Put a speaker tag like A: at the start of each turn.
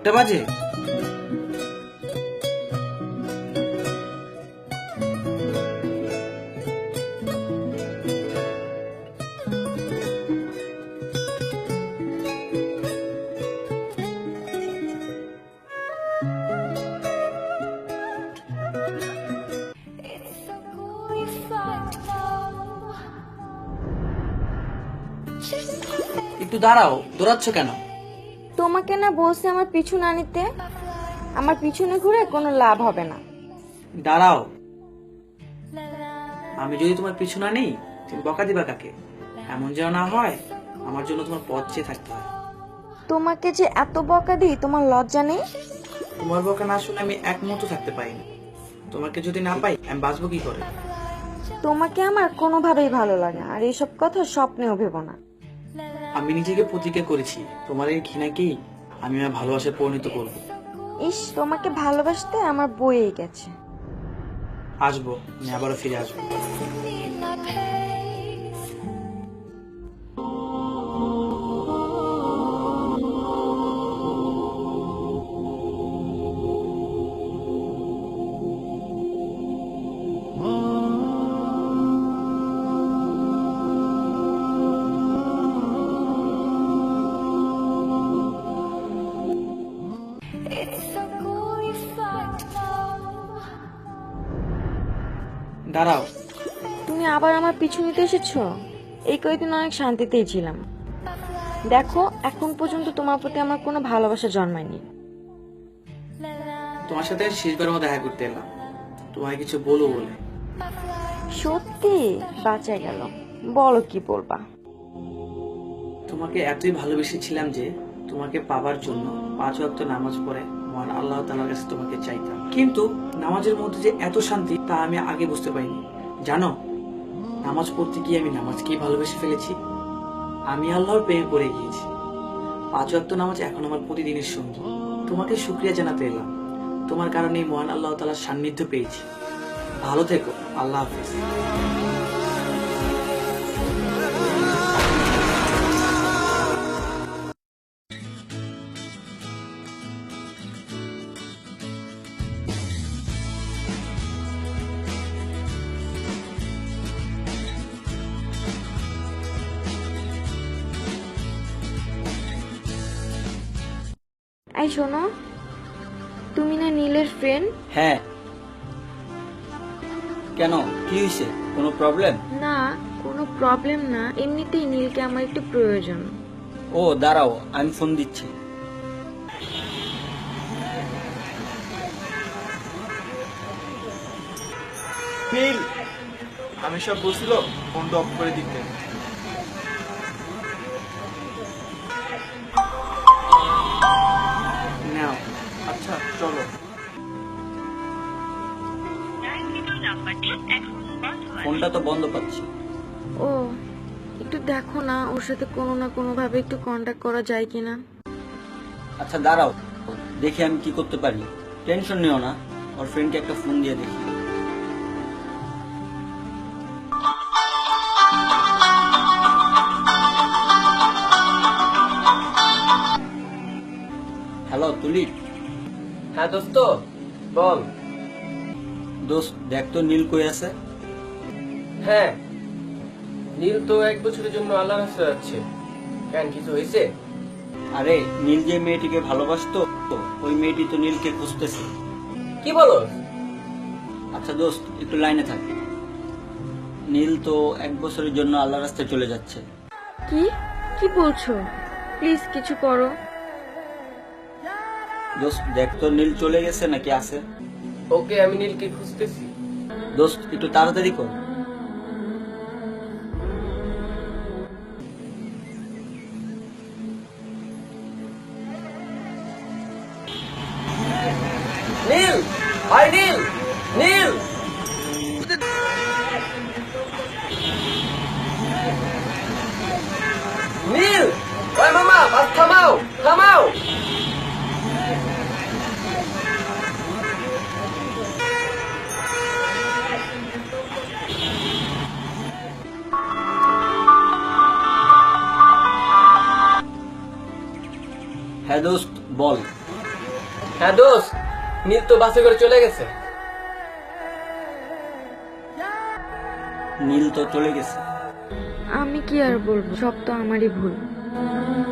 A: 1টা বাজে? একটু দাঁড়াও, দৌড়াচ্ছ কেন?
B: তোমাকে না বলছি আমার পিছু না নিতে। আমার পিছনে ঘুরে কোনো লাভ হবে না।
A: দাঁড়াও, আমি যদি তোমার পিছু না নেই তুমি বকা দিবা কাকে? এমন যেন না হয় আমার জন্য তোমার পথ চেয়ে থাকতে হয়।
B: তোমাকে যে এত বকা দিই তোমার লজ্জা নেই?
A: তোমার বকা না শুনে আমি এক মুহূর্ত থাকতে পারি না। তোমাকে যদি না পাই আমি বাঁচবো কি করে?
B: তোমাকে আমার কোনোভাবেই ভালো লাগে না, আর এইসব কথা স্বপ্নেও ভেবো না।
A: আমি নিজেকে প্রতিজ্ঞা করেছি তোমার এই ঘৃণাকেই আমি আমার ভালোবাসায় পরিণত করব।
B: ইস, তোমাকে ভালোবাসতে আমার বইয়েই গেছে।
A: আসবো, আমি আবারও ফিরে আসবো। দাঁড়াও,
B: তুমি আবার আমার পিছু নিতে এসেছো? এই কয়েকদিন অনেক শান্তিতেই ছিলাম। দেখো, এখন পর্যন্ত তোমার প্রতি আমার কোনো ভালোবাসা জন্মায়নি।
A: তোমার সাথে শেষবারের মতো দেখা করতে এলাম, তোমায় কিছু বলবো বলে।
B: সত্যি বাঁচা গেল, বলো কি বলবা।
A: তোমাকে এতই ভালোবেসেছিলাম যে তোমাকে পাবার জন্য 5 ওয়াক্ত নামাজ পড়ে মহান আল্লাহ তাআলার কাছে তোমাকে চাইতাম। কিন্তু নামাজের মধ্যে যে এত শান্তি তা আমি আগে বুঝতে পারিনি। জানো, নামাজ পড়তে গিয়ে আমি নামাজকেই ভালোবেসে ফেলেছি। আমি আল্লাহর প্রেমে পড়ে গিয়েছি। 5 ওয়াক্ত নামাজ এখন আমার প্রতিদিনের সঙ্গী। তোমাকে শুকরিয়া জানাতে এলাম, তোমার কারণে মহান আল্লাহ তাআলার সান্নিধ্য পেয়েছি। ভালো থেকো, আল্লাহ হাফেজ।
B: এই শোনো, তুমি না নীলের ফ্রেন্ড?
C: হ্যাঁ, কেন, কি হয়েছে? কোনো প্রবলেম?
B: না, কোনো প্রবলেম না, এমনিতেই নীলকে আমার একটু প্রয়োজন।
C: ও দাঁড়াও, আমি ফোন দিচ্ছি।
A: নীল, আমি সব বলছিল ফোনটা অফ করে দিতে। নাও, আচ্ছা চলো।
C: ফোনটা তো বন্ধ পাচ্ছি।
B: ও, একটু দেখো না ওর সাথে কোনো না কোনো ভাবে একটু কন্টাক্ট করা যায় কিনা।
C: আচ্ছা দাঁড়াও, দেখি আমি কি করতে পারি। টেনশন নিও না, ওর ফ্রেন্ডকে একটা ফোন দিয়ে দেখি। হ্যালো তুলি।
D: হ্যাঁ দোস্ত, বল।
C: দোস্ত দেখ তো নীল কই আছে।
D: হ্যাঁ, নীল তো 1 বছরের জন্য আল্লাহর কাছে যাচ্ছে। কেন, কিছু হয়েছে?
C: আরে নীল যে মেয়েটিকে ভালোবাসতো ওই মেয়েটি তো নীলকে খুঁজতেছে।
D: কি বলো?
C: আচ্ছা দোস্ত একটু লাইনে থাক। নীল তো 1 বছরের জন্য আল্লাহর রাস্তায় চলে যাচ্ছে।
B: কি কি বলছো? প্লিজ কিছু করো।
C: দোস্ত দেখ তো নীল চলে গেছে নাকি আছে।
D: ওকে, আমি নীলকে খুঁজতেছি।
C: দোস্ত একটু তাড়াতাড়ি কর।
D: নীল, হাই নীল, নীল। নীল, ওই মামা, বাস থামাও, থামাও।
C: হ্যাঁ দোস্ত বল।
D: হ্যাঁ দোস্ত, নীল তো বাসে করে চলে গেছে।
C: নীল তো চলে গেছে।
B: আমি কি আর বলবো, সব তো আমারই ভুল।